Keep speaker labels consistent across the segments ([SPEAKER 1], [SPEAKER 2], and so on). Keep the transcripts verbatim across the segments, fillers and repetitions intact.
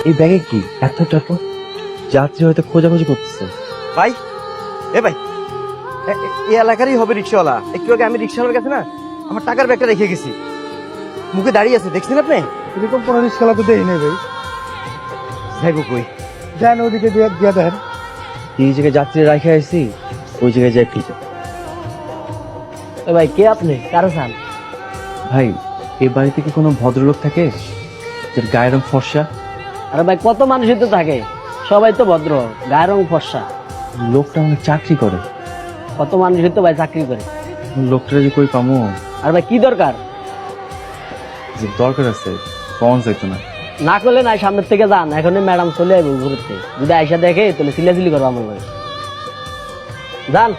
[SPEAKER 1] এই ব্যাগে কি এত টাকা? যাত্রী হয়তো খোঁজাখুঁজি করতেছে।
[SPEAKER 2] ভাই, এ ভাই, এ- এ- এই এলাকারই হবে রিক্সাওয়ালা। একটু আগে আমি রিক্সাওয়ালার কাছে না আমার টাকার ব্যাগটা রেখে গেছি, মুখে দাঁড়িয়ে আছে, দেখছেন আপনি?
[SPEAKER 3] এরকম কোনো রিক্সাওয়ালা তো দেই নেই ভাই।
[SPEAKER 2] যাইব কই?
[SPEAKER 3] যান ওদিকে দিয়ে দিয়ে দেন।
[SPEAKER 1] এই জায়গায় যাত্রী রাখে আইছি, ওই জায়গায় যাই খুঁজে।
[SPEAKER 4] ভাই কে আপনি, কারো চান?
[SPEAKER 1] ভাই, এই বাড়িতে কি কোনো ভদ্রলোক থাকে যার গায়ের রং ফর্সা?
[SPEAKER 4] আরে ভাই কত মানুষই তো থাকে, সবাই তো ভদ্র, গায়ের রং ফর্সা।
[SPEAKER 1] লোকটা অনেক চাকরি করে।
[SPEAKER 4] কত মানুষই তো ভাই চাকরি করে।
[SPEAKER 1] লোকটা যে কই পামো?
[SPEAKER 4] আর ভাই কি দরকার?
[SPEAKER 1] যে দরকার আছে পাওয়া যাইতো না।
[SPEAKER 4] না করলে নাই, সামনের থেকে যান, এখন ম্যাডাম চলে আইব ঘুরতে, যদি আইসা দেখে তাহলে সিলাসিলি করবো আমার ভাই। যান।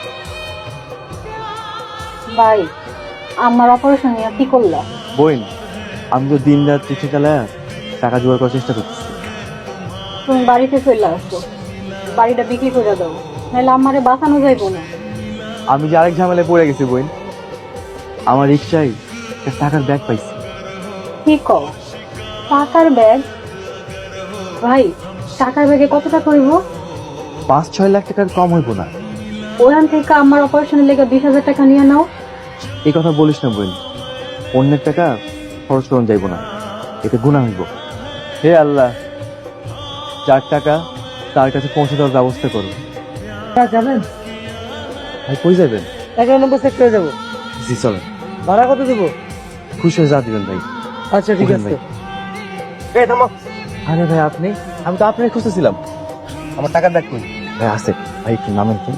[SPEAKER 5] ভাই, আমার অপারেশন নিয়ে কি করলা?
[SPEAKER 1] বইন, আমি তো দিন রাত চিঠি চালায় টাকা জোগাড় করার চেষ্টা করতেছি।
[SPEAKER 5] তুমি বাড়িতে চলে আসো, বাড়িটা বিক্রি করে দাও, নাহলে আমারে বাঁচানো যাইব না।
[SPEAKER 1] আমি যে আরেক ঝামেলায় পড়ে গেছি বইন, আমার রিক্সায় একটা টাকার ব্যাগ পাইছি।
[SPEAKER 5] কি কও? টাকার ব্যাগ? ভাই, টাকার ব্যাগে কত টাকা হইব?
[SPEAKER 1] পাঁচ ছয় লাখ টাকার কম হইব না।
[SPEAKER 5] ওখান থেকে আমার অপারেশনের লেগে বিশ হাজার টাকা নিয়ে নাও।
[SPEAKER 1] এই কথা বলিস না বইন, অন্যের টাকা খরচ করুন যাইব না, এতে গুনাহ হইব। হে আল্লাহ, যার টাকা তার কাছে পৌঁছে দেওয়ার ব্যবস্থা করো।
[SPEAKER 3] যাবেন?
[SPEAKER 1] ভাই কই যাবেন?
[SPEAKER 3] এগারো নম্বর সেক্টরে যাবো।
[SPEAKER 1] জি চলেন।
[SPEAKER 3] ভাড়া কত দেবো?
[SPEAKER 1] খুশি হয়ে যা দিবেন ভাই।
[SPEAKER 3] আচ্ছা ঠিক
[SPEAKER 1] ওঠেন
[SPEAKER 3] আছে।
[SPEAKER 1] ভাই।
[SPEAKER 2] এই থামো,
[SPEAKER 1] আরে ভাই আপনি, আমি তো আপনাকে খুঁজতেছিলাম।
[SPEAKER 2] আমার টাকার ব্যাগ কই?
[SPEAKER 1] ভাই আছে, ভাই একটু নামেন তো।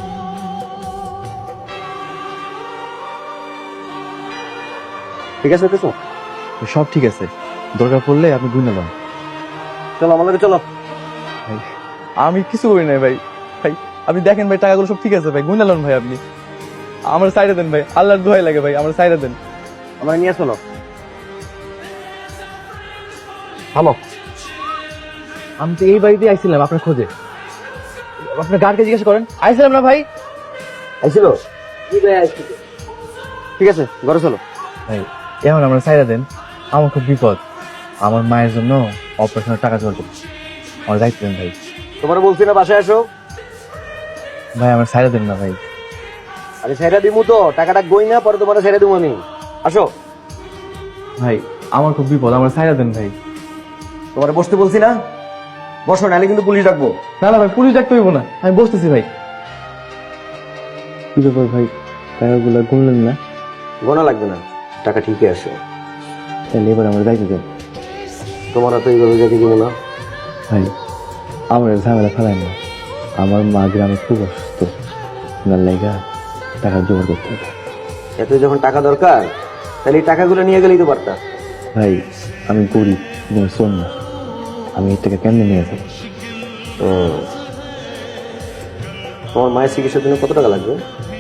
[SPEAKER 2] ঠিক আছে দেখো,
[SPEAKER 1] সব ঠিক আছে, দরকার পড়লে আপনি গুনে নেন।
[SPEAKER 2] চলো আমার লগে চলো।
[SPEAKER 1] ভাই আমি কিছু করি নাই ভাই। ভাই আপনি দেখেন ভাই, টাকাগুলো সব ঠিক আছে ভাই, গুনে নেন ভাই। আপনি আমার সাইডে দেন ভাই, আল্লাহর দোহাই লাগে ভাই, আমার সাইডে দেন।
[SPEAKER 2] আমার নিয়ে চলো। থামো,
[SPEAKER 1] আমি তো এই বাড়িতে আইছিলাম আপনার খোঁজে। আপনার গার্ডকে জিজ্ঞাসা করেন। আইছিলাম না ভাই?
[SPEAKER 2] আইছিল? ঠিক আছে, ঘরে চলো।
[SPEAKER 1] ভাই এখন আমরা সাইডে দেন, আমার খুব বিপদ। আমার মায়ের জন্য অপারেশনের টাকা জোগাড় করছি, আমার দায়িত্ব দেন ভাই।
[SPEAKER 2] তোমার বলছি না বাসায় আসো।
[SPEAKER 1] ভাই আমার সাইডে দেন না ভাই।
[SPEAKER 2] আরে ছেড়ে দিমু তো, টাকাটা গই না, পরে তোমার ছেড়ে দিমু আমি। আসো।
[SPEAKER 1] ভাই আমার খুব বিপদ, আমার সাইডে দেন ভাই।
[SPEAKER 2] তোমার বসতে বলছি না, বসো, নাহলে কিন্তু পুলিশ ডাকবো।
[SPEAKER 1] না না ভাই, পুলিশ ডাকতে হইব না, আমি বসতেছি ভাই। কি ব্যাপার ভাই, টাকাগুলো গুনলেন না?
[SPEAKER 2] গোনা লাগবে না, টাকা ঠিকই আছে।
[SPEAKER 1] তাহলে এবার আমার দায়িত্ব দেন
[SPEAKER 2] তোমার তো এইভাবে যেতে দিব না।
[SPEAKER 1] ভাই। আমার ঝামেলা ফেলায় না, আমার মা গ্রামে খুব অসুস্থ, ওনার লাইগা টাকা জোগাড় করতে হবে।
[SPEAKER 2] এত যখন টাকা দরকার, তাহলে এই টাকাগুলো নিয়ে গেলেই তো পারতা।
[SPEAKER 1] ভাই আমি গরিব, তুমি শোন না, আমি এই টাকা কেমনে নিয়ে যাবো?
[SPEAKER 2] হুম। তোমার মায়ের চিকিৎসার জন্য কত টাকা লাগবে?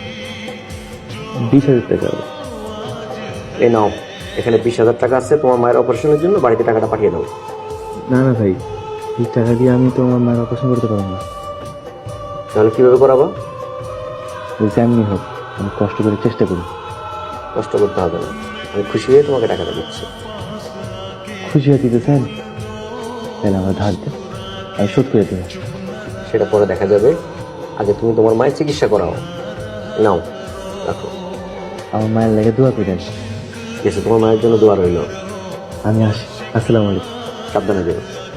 [SPEAKER 1] বিশ হাজার টাকা।
[SPEAKER 2] এই নাও, এখানে বিশ হাজার টাকা আছে, তোমার মায়ের অপারেশনের জন্য বাড়িতে টাকাটা পাঠিয়ে দাও।
[SPEAKER 1] না না ভাই, এই টাকা দিয়ে আমি তো আমার মায়ের অপারেশন করতে পারবো না।
[SPEAKER 2] তাহলে কিভাবে করাবো?
[SPEAKER 1] যেমনি হোক আমি কষ্ট করে চেষ্টা করি।
[SPEAKER 2] কষ্ট করতে হবে না, আমি খুশি হয়ে তোমাকে টাকাটা দিচ্ছি।
[SPEAKER 1] খুশি হয়ে দিতে চান? তাহলে আমার ধার দেন, আমি শোধ করে দেবো।
[SPEAKER 2] সেটা পরে দেখা যাবে, আগে তুমি তোমার মায়ের চিকিৎসা করাও। নাও, রাখো।
[SPEAKER 1] আমার মায়ের লেগে দোয়া করেন।
[SPEAKER 2] ঠিক আছে, তোমার মায়ের জন্য দোয়া রইল।
[SPEAKER 1] আমি আসি, আসসালামু আলাইকুম।
[SPEAKER 2] সাবধানে দেবো।